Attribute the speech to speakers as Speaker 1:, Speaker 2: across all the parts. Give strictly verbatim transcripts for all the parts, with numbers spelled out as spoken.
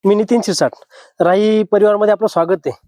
Speaker 1: मी नितीन शिरसाट, राही परिवारमध्ये आपलं स्वागत आहे.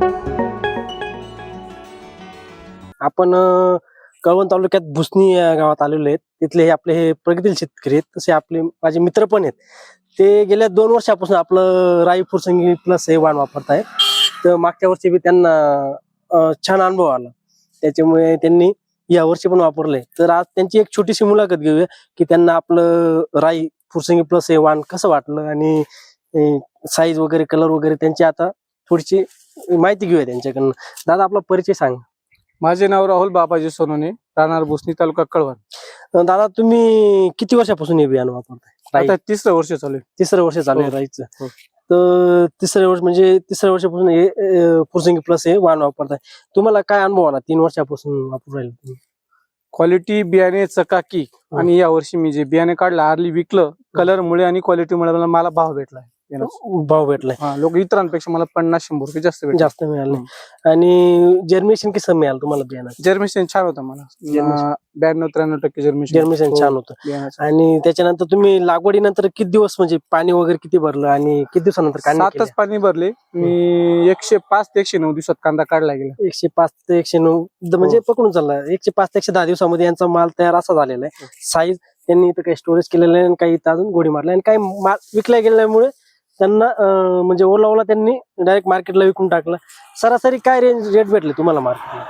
Speaker 1: आपण अ, कळवण तालुक्यात भुसणी या गावात आलेलो आहेत. तिथले हे आपले हे प्रगतील शेतकरी आहेत. तसे आपले माझे मित्र पण आहेत. ते गेल्या दोन वर्षापासून आपलं राई फुरसंगी प्लस हे वाण वापरत आहेत. तर मागच्या वर्षी बी त्यांना अ, छान अनुभव आला. त्याच्यामुळे त्यांनी या वर्षी पण वापरले. तर आज त्यांची एक छोटीशी मुलाखत घेऊया की त्यांना आपलं राई फुरसंगी प्लस हे वाण कसं वाटलं आणि साईज वगैरे कलर वगैरे त्यांची आता थोडीशी माहिती घेऊया त्यांच्याकडनं. दादा आपला परिचय सांग.
Speaker 2: माझे नाव राहुल बाबाजी सोनोने, राहणार भुसणी तालुका कळवण.
Speaker 1: दादा तुम्ही किती वर्षापासून हे बियाणं वापरताय?
Speaker 2: आता तिसरं वर्ष चालू आहे.
Speaker 1: तिसरं वर्ष चालू आहे
Speaker 2: हो.
Speaker 1: राईचं.
Speaker 2: हो.
Speaker 1: तर तिसरं वर्ष म्हणजे तिसऱ्या वर्षापासून हे अ, फुरसंगी प्लस हे वाण वापरताय. तुम्हाला काय अनुभव आला तीन वर्षापासून वापरून राहिले तुम्ही?
Speaker 2: क्वालिटी बियाणे चकाकी आणि या वर्षी मी जे बियाणे काढलं आरली विकलं, कलर मुळे आणि क्वालिटी मुळे मला- मला भाव भेटलाय.
Speaker 1: भाव भेटलाय.
Speaker 2: हा, लोक इतरांपेक्षा मला पन्नास शंभर रुपये जास्त भेटले.
Speaker 1: जास्त मिळाले. आणि जर्मिनेशन कसं मिळालं तुम्हाला बियाणं?
Speaker 2: जर्मिनेशन छान होतं मला.
Speaker 1: Germination.
Speaker 2: ब्याण्णव त्र्याण्णव टक्के जर्मिनेशन
Speaker 1: जर्मिनेशन छान होतं.
Speaker 2: बियाण्याचं.
Speaker 1: आणि त्याच्यानंतर तुम्ही लागवडीनंतर किती दिवस म्हणजे पाणी वगैरे किती भरलं आणि किती दिवसानंतर काढणी केली?
Speaker 2: सातच पाणी भरले मी. एकशे पाच ते एकशे नऊ दिवसात कांदा काढला गेला.
Speaker 1: एकशे पाच ते एकशे नऊ द- म्हणजे पकडून चालला एकशे पाच ते एकशे दहा दिवसामध्ये यांचा माल तयार असा झालेला आहे. साईज त्यांनी इथं काही स्टोरेज केलेलं आहे आणि काही इथं अजून गोडी मारल्या आणि काही माल विकल्या गेल्यामुळे त्यांना अं, म्हणजे ओला ओला त्यांनी डायरेक्ट मार्केटला विकून टाकला. सरासरी काय रेंज रेट भेटले तुम्हाला मार्केटला?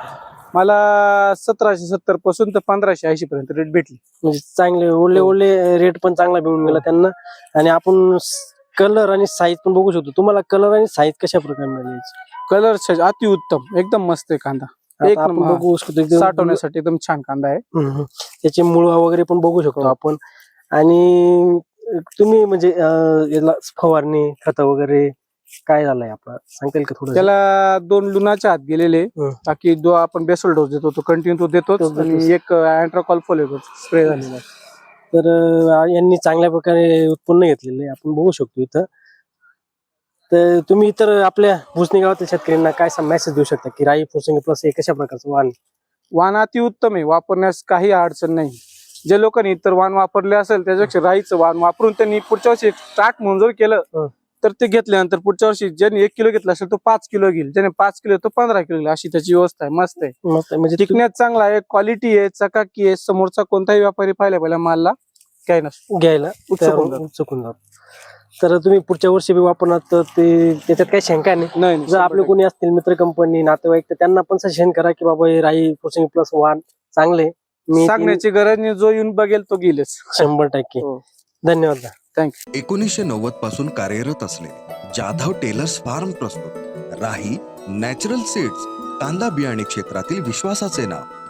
Speaker 2: मला सतराशे सत्तर पासून तर पंधराशे ऐंशी पर्यंत रेट भेटली.
Speaker 1: म्हणजे चांगले ओले ओले रेट पण चांगला मिळून गेला त्यांना. आणि आपण कलर आणि साईज पण बघू शकतो. तुम्हाला कलर आणि साईज कशा प्रकारे मिळाली?
Speaker 2: कलर अति उत्तम, एकदम मस्त आहे कांदा. एक
Speaker 1: आता आपण
Speaker 2: नंबर.
Speaker 1: बघू शकतो एकदम-
Speaker 2: साठवण्यासाठी एकदम छान कांदा आहे.
Speaker 1: हम्म. त्याचे मुळ वगैरे पण बघू शकतो
Speaker 2: हो.
Speaker 1: आपण. आणि तुम्ही म्हणजे अं, याला फवारणी खत वगैरे काय झालंय आपला सांगता का थोडं?
Speaker 2: त्याला दोन लुणाच्या हात गेलेले,
Speaker 1: हं.
Speaker 2: बाकी जो आपण बेसल डोस देतो तो कंटिन्यू तो देतो
Speaker 1: तो देतोच.
Speaker 2: आणि एक अँट्राकॉल फोलेट स्प्रे झालेला आहे.
Speaker 1: तर अं, यांनी चांगल्या प्रकारे उत्पन्न घेतलेलं आहे आपण बघू शकतो इथं. तर तुम्ही इतर आपल्या भुसणी गावातील शेतकऱ्यांना काय मेसेज देऊ शकता की राई फुरसंगी प्लस हे कशा प्रकारचं वाण?
Speaker 2: वाण अति उत्तम आहे, वापरण्यास काही अडचण नाही. जे लोकांनी इतर वाण वापरले असेल त्याच्यापेक्षा राईचं वाण वापरून त्यांनी पुढच्या वर्षी स्टार्ट म्हणून जर केलं
Speaker 1: हं.
Speaker 2: तर ते घेतल्यानंतर पुढच्या वर्षी ज्यांनी एक किलो घेतला असेल तो पाच किलो घेईल, ज्याने पाच किलो तो पंधरा किलो घेईल. अशी त्याची व्यवस्था आहे. मस्त आहे,
Speaker 1: मस्त म्हणजे तु-
Speaker 2: टिकण्यात चांगला आहे, क्वालिटी आहे, चकाकी आहे. समोरचा कोणताही व्यापारी पाहिला पहिला मालला काय नसतो,
Speaker 1: घ्यायला
Speaker 2: उत्सुक होऊन जातो.
Speaker 1: चुकून जातो. तर तुम्ही पुढच्या वर्षी बी वापरणार तर ते त्याच्यात काही शंका नाही.
Speaker 2: नाही नाही,
Speaker 1: जर आपले
Speaker 2: शंभर
Speaker 1: कोणी असतील मित्र कंपनी नातेवाईक तर त्यांना पण सजेशन करा की बाबा हे राई फुरसंगी प्लस वाण चांगले.
Speaker 2: टक्के.
Speaker 1: मी
Speaker 2: सांगण्याची गरज नाही, जो येऊन बघेल तो गेलेच.
Speaker 1: शंभर टक्के
Speaker 2: हो.
Speaker 1: धन्यवाद.
Speaker 2: थँक्यू.
Speaker 3: एकोणीसशे नव्वद पासून कार्यरत असलेले जाधव टेलर्स फार्म प्रस्तुत राही नॅचरल सीड्स, कांदा बियाणे क्षेत्रातील विश्वासाचे नाव.